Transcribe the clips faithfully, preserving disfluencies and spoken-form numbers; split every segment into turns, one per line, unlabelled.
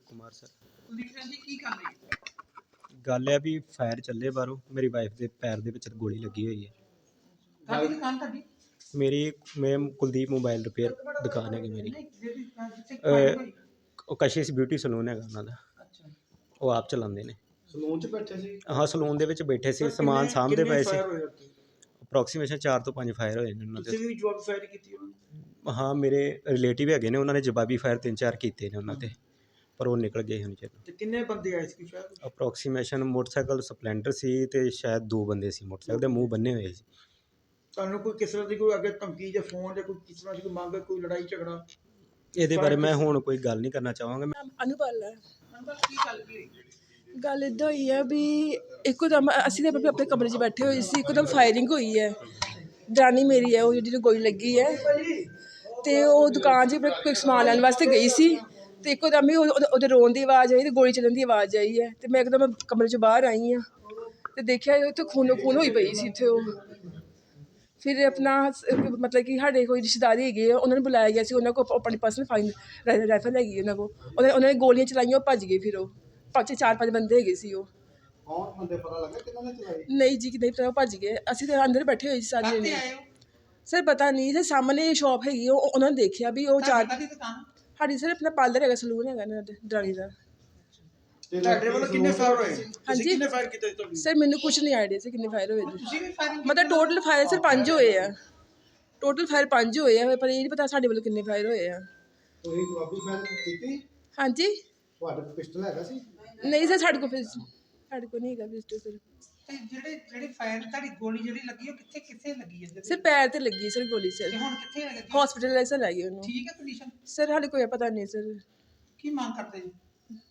Kumar sir.
Kuldeep Singh ਜੀ ਕੀ ਕਰ ਰਹੇ ਹੋ?
ਗੱਲ ਹੈ ਵੀ ਫਾਇਰ ਚੱਲੇ ਬਾਹਰੋਂ, ਮੇਰੀ ਵਾਈਫ ਦੇ ਪੈਰ ਦੇ ਵਿੱਚ ਗੋਲੀ ਲੱਗੀ ਹੋਈ ਹੈ।
ਤੁਹਾਡੀ ਦੁਕਾਨ ਤੁਹਾਡੀ
ਮੇਰੀ ਮੈਂ ਕੁਲਦੀਪ ਮੋਬਾਈਲ ਰਿਪੇਅਰ ਦੁਕਾਨ ਹੈਗੀ ਮੇਰੀ।
ਨਹੀਂ ਜਿਹੜੀ ਅਹ, ਜਿੱਥੇ ਫਾਇਰ ਹੋਈ।
ਉਹ ਕਸ਼ਿਸ਼ ਬਿਊਟੀ ਸਲੂਨ ਹੈਗਾ ਉਹਨਾਂ ਦਾ,
ਅੱਛਾ
ਉਹ ਆਪ ਚਲਾਉਂਦੇ ਨੇ।
ਸਲੂਨ 'ਚ ਬੈਠੇ ਸੀ?
ਹਾਂ ਸਲੂਨ ਦੇ ਵਿੱਚ ਬੈਠੇ ਸੀ, ਸਮਾਨ ਸਾਂਭਦੇ ਪਏ ਸੀ। ਅਪਰੋਕਸੀਮੇਸ਼ਨ ਚਾਰ ਤੋਂ ਪੰਜ ਫਾਇਰ ਹੋਏ ਨੇ ਉਹਨਾਂ ਦੇ।
ਤੁਸੀਂ ਵੀ ਜਵਾਬ ਫਾਇਰ ਕੀਤੀ ਉਹਨਾਂ ਨੇ?
ਹਾਂ ਮੇਰੇ ਰਿਲੇਟਿਵ ਹੈਗੇ ਨੇ, ਉਹਨਾਂ ਨੇ ਜਵਾਬੀ ਫਾਇਰ ਤਿੰਨ ਚਾਰ ਕੀਤੇ ਨੇ ਉਹਨਾਂ ਤੇ, ਪਰ ਉਹ ਨਿਕਲ ਗਏ ਹੁਣ ਚਲੋ।
ਤੇ ਕਿੰਨੇ ਬੰਦੇ ਆਏ ਸੀ ਸ਼ਾਇਦ?
ਅਪਰੋਕਸੀਮੇਸ਼ਨ ਮੋਟਰਸਾਈਕਲ ਸਪਲੈਂਡਰ ਸੀ ਤੇ ਸ਼ਾਇਦ ਦੋ ਬੰਦੇ ਸੀ, ਮੋਟਰਸਾਈਕਲ ਦੇ ਮੂੰਹ ਬੰਨੇ ਹੋਏ ਸੀ।
ਤੁਹਾਨੂੰ ਕੋਈ ਕਿਸ ਤਰ੍ਹਾਂ ਦੀ ਕੋਈ ਅੱਗੇ ਧਮਕੀ ਜਾਂ ਫੋਨ ਜਾਂ ਕੋਈ ਕਿਸ ਤਰ੍ਹਾਂ ਦੀ ਕੋਈ ਮੰਗ, ਕੋਈ ਲੜਾਈ ਝਗੜਾ?
ਇਹਦੇ ਬਾਰੇ ਮੈਂ ਹੁਣ ਕੋਈ ਗੱਲ ਨਹੀਂ ਕਰਨਾ ਚਾਹਾਂਗਾ।
ਅਨੁਪਲ ਹੈ।
ਅੰਕਲ ਕੀ ਗੱਲ ਕੀ ਹੋਈ?
ਗੱਲ ਇੱਦਾਂ ਹੋਈ ਹੈ ਵੀ ਇੱਕੋਦਮ ਅਸੀਂ ਤਾਂ ਆਪਣੇ ਕਮਰੇ 'ਚ ਬੈਠੇ ਹੋਏ ਸੀ, ਇੱਕੋਦਮ ਫਾਇਰਿੰਗ ਹੋਈ ਹੈ। ਦਰਾਣੀ ਮੇਰੀ ਹੈ ਉਹ ਜਿਹਨੂੰ ਗੋਲੀ ਲੱਗੀ ਹੈ, ਅਤੇ ਉਹ ਦੁਕਾਨ 'ਚ ਕੋਈ ਸਮਾਨ ਲੈਣ ਵਾਸਤੇ ਗਈ ਸੀ, ਅਤੇ ਇੱਕੋਦਮ ਹੀ ਉਹਦੇ ਰੋਣ ਦੀ ਆਵਾਜ਼ ਆਈ ਅਤੇ ਗੋਲੀ ਚੱਲਣ ਦੀ ਆਵਾਜ਼ ਆਈ ਹੈ। ਅਤੇ ਮੈਂ ਇੱਕਦਮ ਕਮਰੇ 'ਚ ਬਾਹਰ ਆਈ ਹਾਂ ਅਤੇ ਦੇਖਿਆ ਉੱਥੇ ਖੂਨੋ ਖੂਨ ਹੋਈ ਪਈ ਸੀ ਉੱਥੇ। ਉਹ ਫਿਰ ਆਪਣਾ ਮਤਲਬ ਕਿ ਸਾਡੇ ਕੋਈ ਰਿਸ਼ਤੇਦਾਰ ਹੈਗੇ ਆ, ਉਹਨਾਂ ਨੂੰ ਬੁਲਾਇਆ ਗਿਆ ਸੀ। ਉਹਨਾਂ ਕੋਲ ਆਪਣੀ ਪਰਸਨਲ ਫਾਈਨ ਰਾਈਫਲ ਹੈਗੀ ਉਹਨਾਂ ਕੋਲ, ਉਹਨਾਂ ਉਹਨਾਂ ਨੇ ਗੋਲੀਆਂ ਚਲਾਈਆਂ, ਉਹ ਭੱਜ ਗਏ। ਫਿਰ ਉਹ ਪੰਜ ਚਾਰ ਪੰਜ ਬੰਦੇ ਹੈਗੇ ਸੀ। ਉਹ
ਕੌਣ ਬੰਦੇ ਪਤਾ ਲੱਗਾ ਕਿਹਨਾਂ ਨੇ ਚਲਾਈ?
ਨਹੀਂ ਜੀ ਨਹੀਂ ਪਤਾ, ਉਹ ਭੱਜ ਗਏ। ਅਸੀਂ ਤਾਂ ਅੰਦਰ ਬੈਠੇ ਹੋਏ ਸੀ ਸਾਰੇ
ਕਾਹਤੇ
ਜਣੇ।
ਆਏ ਹੋ?
ਸਰ ਪਤਾ ਨਹੀਂ, ਸਰ ਸਾਹਮਣੇ ਸ਼ਾਪ ਹੈਗੀ, ਉਹ ਉਹਨਾਂ ਨੇ ਦੇਖਿਆ ਵੀ ਉਹ ਚਾਰ।
ਕਾਹਦੀ ਦੁਕਾਨ?
ਸਾਡੀ ਸਰ ਆਪਣਾ ਪਾਰਲਰ ਹੈਗਾ, ਸਲੂਨ ਹੈਗਾ ਇਹਨਾਂ ਦੇ ਦਰਾਣੀ ਦਾ।
ਤੁਹਾਡੇ ਵੱਲੋਂ ਕਿੰਨੇ ਫਾਇਰ ਹੋਏ?
ਹਾਂਜੀ
ਕਿੰਨੇ ਫਾਇਰ ਕੀਤੇ ਤੁਹਾਨੂੰ?
ਸਰ ਮੈਨੂੰ ਕੁਛ ਨਹੀਂ ਆਈਡੀਆ ਸੀ ਕਿੰਨੇ ਫਾਇਰ ਹੋਏ ਜੀ।
ਤੁਸੀਂ ਵੀ ਫਾਇਰਿੰਗ
ਮਤਲਬ ਟੋਟਲ ਫਾਇਰ ਸਰ ਪੰਜ ਹੋਏ ਆ, ਟੋਟਲ ਫਾਇਰ ਪੰਜ ਹੋਏ ਆ, ਪਰ ਇਹ ਨਹੀਂ ਪਤਾ ਸਾਡੇ ਵੱਲੋਂ ਕਿੰਨੇ ਫਾਇਰ ਹੋਏ ਆ।
ਤੁਸੀਂ ਜਵਾਬੀ ਫਾਇਰ ਕੀਤੀ?
ਹਾਂਜੀ
ਤੁਹਾਡੇ ਕੋਲ ਪਿਸਟਲ ਹੈਗਾ ਸੀ?
ਨਹੀਂ ਸਰ ਸਾਡੇ ਕੋਲ ਫਿਰ ਸਾਡੇ ਕੋਲ ਨਹੀਂ ਹੈਗਾ ਪਿਸਟਲ ਸਰ।
ਤੇ ਜਿਹੜੇ ਜਿਹੜੇ ਫਾਇਰ ਤੁਹਾਡੀ ਗੋਲੀ ਜਿਹੜੀ ਲੱਗੀ ਉਹ ਕਿੱਥੇ ਕਿੱਥੇ ਲੱਗੀ ਹੈ?
ਸਰ ਪੈਰ ਤੇ ਲੱਗੀ ਸਰ ਗੋਲੀ ਸਰ।
ਤੇ ਹੁਣ ਕਿੱਥੇ ਲੱਗੀ?
ਹਸਪੀਟਲ ਸਰ ਲੈ ਗਏ ਉਹਨੂੰ।
ਠੀਕ ਹੈ ਕੰਡੀਸ਼ਨ?
ਸਰ ਸਾਡੇ ਕੋਈ ਪਤਾ ਨਹੀਂ ਸਰ।
ਕੀ ਮੰਗ ਕਰਦੇ ਜੀ?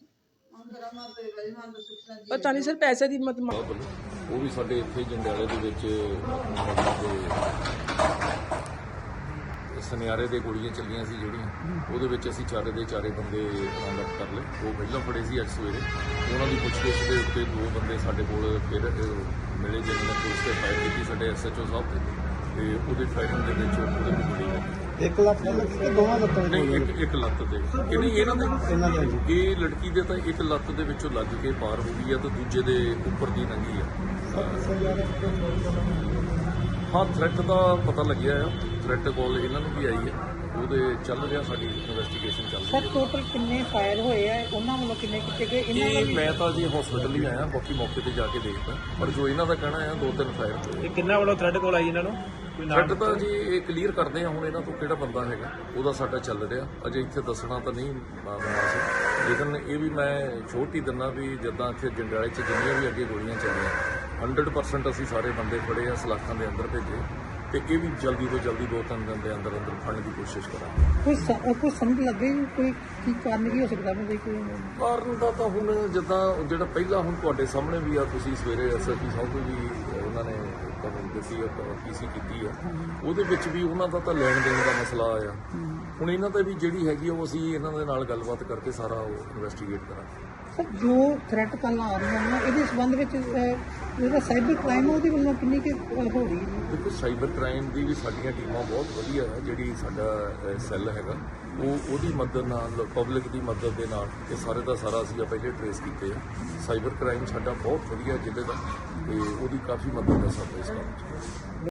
ਪਤਾ ਨਹੀਂ ਸਰ ਪੈਸੇ ਦੀ ਮਤ
ਉਹ ਵੀ ਸਾਡੇ ਇੱਥੇ ਜੰਡਿਆਲੇ ਦੇ ਵਿੱਚ ਸੁਨਿਆਰੇ ਦੇ ਗੋਲੀਆਂ ਚੱਲੀਆਂ ਸੀ ਜਿਹੜੀਆਂ, ਉਹਦੇ ਵਿੱਚ ਅਸੀਂ ਚਾਰੇ ਦੇ ਚਾਰੇ ਬੰਦੇ ਬਰਾਮਦ ਕਰ ਲਏ। ਉਹ ਪਹਿਲਾਂ ਫੜੇ ਸੀ ਅੱਜ ਸਵੇਰੇ, ਉਹਨਾਂ ਦੀ ਪੁੱਛਗਿੱਛ ਦੇ ਉੱਤੇ ਦੋ ਬੰਦੇ ਸਾਡੇ ਕੋਲ ਫਿਰ ਮਿਲੇ ਜਿਹਨਾਂ ਨੇ ਪੁਲਿਸ ਤੇ ਫਾਇਰ ਕੀਤੀ ਸਾਡੇ ਐਸ ਐਚ ਓ ਸਾਹਿਬ ਤੇ, ਤੇ ਉਹਦੇ ਫਾਇਰਿੰਗ ਦੇ ਵਿੱਚ ਉਹਦੇ ਵੀ ਗੋਲੀ ਲੱਗੀ।
ਇੱਕ ਲੱਤ ਤੇ ਦੋਵਾਂ ਲੱਤਾਂ ਤੇ?
ਨਹੀਂ ਇੱਕ ਇੱਕ ਲੱਤ ਦੇ ਕਿ ਨਹੀਂ ਇਹਨਾਂ ਦੇ
ਇਹਨਾਂ ਦੇ
ਇਹ ਲੜਕੀ ਦੇ ਤਾਂ ਇੱਕ ਲੱਤ ਦੇ ਵਿੱਚੋਂ ਲੱਗ ਕੇ ਪਾਰ ਹੋ ਗਈ ਆ ਤੇ ਦੂਜੇ ਦੇ ਉੱਪਰ ਦੀ ਲੰਘੀ ਆ। ਹਾਂ ਥ੍ਰੈਟ ਦਾ ਪਤਾ ਲੱਗਿਆ ਆ, ਥ੍ਰੈਟ ਕਾਲ ਇਹਨਾਂ ਨੂੰ ਵੀ ਆਈ ਹੈ, ਉਹਦੇ ਚੱਲ ਰਿਹਾ ਸਾਡੀ ਇਨਵੈਸਟੀਗੇਸ਼ਨ ਚੱਲ ਰਹੀ ਹੈ।
ਸਰ ਟੋਟਲ ਕਿੰਨੇ ਫਾਇਰ ਹੋਏ ਆ, ਉਹਨਾਂ ਵੱਲੋਂ ਕਿੰਨੇ ਕੀਤੇ ਗਏ?
ਇਹ ਮੈਂ ਤਾਂ ਜੀ ਹਸਪੀਟਲ ਹੀ ਆਇਆ, ਬਾਕੀ ਮੌਕੇ ਤੇ ਜਾ ਕੇ ਦੇਖਦਾ, ਪਰ ਜੋ ਇਹਨਾਂ ਦਾ ਕਹਿਣਾ ਹੈ ਦੋ ਤਿੰਨ ਫਾਇਰ ਹੋਏ।
ਕਿੰਨਾ ਵੱਲੋਂ ਥ੍ਰੈਡ ਕੋਲ ਆਈ ਇਹਨਾਂ ਨੂੰ?
ਥ੍ਰੈਟ ਤਾਂ ਜੀ ਇਹ ਕਲੀਅਰ ਕਰਦੇ ਆ ਹੁਣ, ਇਹਨਾਂ ਤੋਂ ਕਿਹੜਾ ਬੰਦਾ ਹੈਗਾ ਉਹਦਾ ਸਾਡਾ ਚੱਲ ਰਿਹਾ, ਅਜੇ ਇੱਥੇ ਦੱਸਣਾ ਤਾਂ ਨਹੀਂ ਬਣਾ ਸੀ, ਲੇਕਿਨ ਇਹ ਵੀ ਮੈਂ ਛੋਟ ਹੀ ਦਿੰਦਾ ਵੀ ਜਿੱਦਾਂ ਇੱਥੇ ਜੰਡਿਆਲੇ 'ਚ ਜਿੰਨੀਆਂ ਵੀ ਅੱਗੇ ਗੋਲੀਆਂ ਚੱਲੀਆਂ ਹੰਡਰਡ ਪਰਸੈਂਟ ਅਸੀਂ ਸਾਰੇ ਬੰਦੇ ਫੜੇ ਆ, ਸਲਾਖਾਂ ਦੇ ਅੰਦਰ ਭੇਜੇ, ਤੇ ਇਹ ਵੀ ਜਲਦੀ ਤੋਂ ਜਲਦੀ ਦੋ ਤਿੰਨ ਦਿਨ ਦੇ ਅੰਦਰ ਅੰਦਰ ਫੜਨ ਦੀ ਕੋਸ਼ਿਸ਼ ਕਰਾਂਗੇ।
ਕੋਈ ਕੋਈ ਸਮਝ ਲੱਗੇ ਕੋਈ ਕੀ ਕਾਰਨ ਕੀ ਹੋ ਸਕਦਾ? ਕੋਈ
ਕਾਰਨ ਦਾ ਤਾਂ ਹੁਣ ਜਿੱਦਾਂ ਜਿਹੜਾ ਪਹਿਲਾਂ ਹੁਣ ਤੁਹਾਡੇ ਸਾਹਮਣੇ ਵੀ ਆ, ਤੁਸੀਂ ਸਵੇਰੇ ਐਸ ਐਸ ਪੀ ਸਾਹਿਬ ਤੋਂ ਵੀ ਉਹਨਾਂ ਨੇ ਤੁਹਾਨੂੰ ਦੱਸੀ ਆ, ਪੀ ਸੀ ਕੀਤੀ ਆ, ਉਹਦੇ ਵਿੱਚ ਵੀ ਉਹਨਾਂ ਦਾ ਤਾਂ ਲੈਣ ਦੇਣ ਦਾ ਮਸਲਾ ਆਇਆ। ਹੁਣ ਇਹਨਾਂ ਤੇ ਵੀ ਜਿਹੜੀ ਹੈਗੀ ਉਹ ਅਸੀਂ ਇਹਨਾਂ ਦੇ ਨਾਲ ਗੱਲਬਾਤ ਕਰਕੇ ਸਾਰਾ ਉਹ ਇਨਵੈਸਟੀਗੇਟ ਕਰਾਂਗੇ।
ਸਰ ਜੋ ਥ੍ਰੈਟ ਕਾਲਾਂ ਆ ਰਹੀਆਂ ਨੇ ਇਹਦੇ ਸੰਬੰਧ ਵਿੱਚ ਜਿਹੜਾ ਸਾਈਬਰ ਕ੍ਰਾਈਮ ਉਹਦੇ ਵੱਲੋਂ ਕਿੰਨੀ ਕਿ ਹੋ ਰਹੀ ਹੈ?
ਦੇਖੋ ਸਾਈਬਰ ਕ੍ਰਾਈਮ ਦੀ ਵੀ ਸਾਡੀਆਂ ਟੀਮਾਂ ਬਹੁਤ ਵਧੀਆ ਹੈ, ਜਿਹੜੀ ਸਾਡਾ ਸੈੱਲ ਹੈਗਾ ਉਹ ਉਹਦੀ ਮਦਦ ਨਾਲ, ਪਬਲਿਕ ਦੀ ਮਦਦ ਦੇ ਨਾਲ ਇਹ ਸਾਰੇ ਦਾ ਸਾਰਾ ਅਸੀਂ ਪਹਿਲੇ ਟਰੇਸ ਕੀਤੇ ਆ। ਸਾਈਬਰ ਕ੍ਰਾਈਮ ਸਾਡਾ ਬਹੁਤ ਵਧੀਆ ਜ਼ਿਲ੍ਹੇ ਦਾ, ਤੇ ਉਹਦੀ ਕਾਫੀ ਮਦਦ ਹੈ ਸਾਡੇ ਇਸ ਕੰਮ 'ਚ।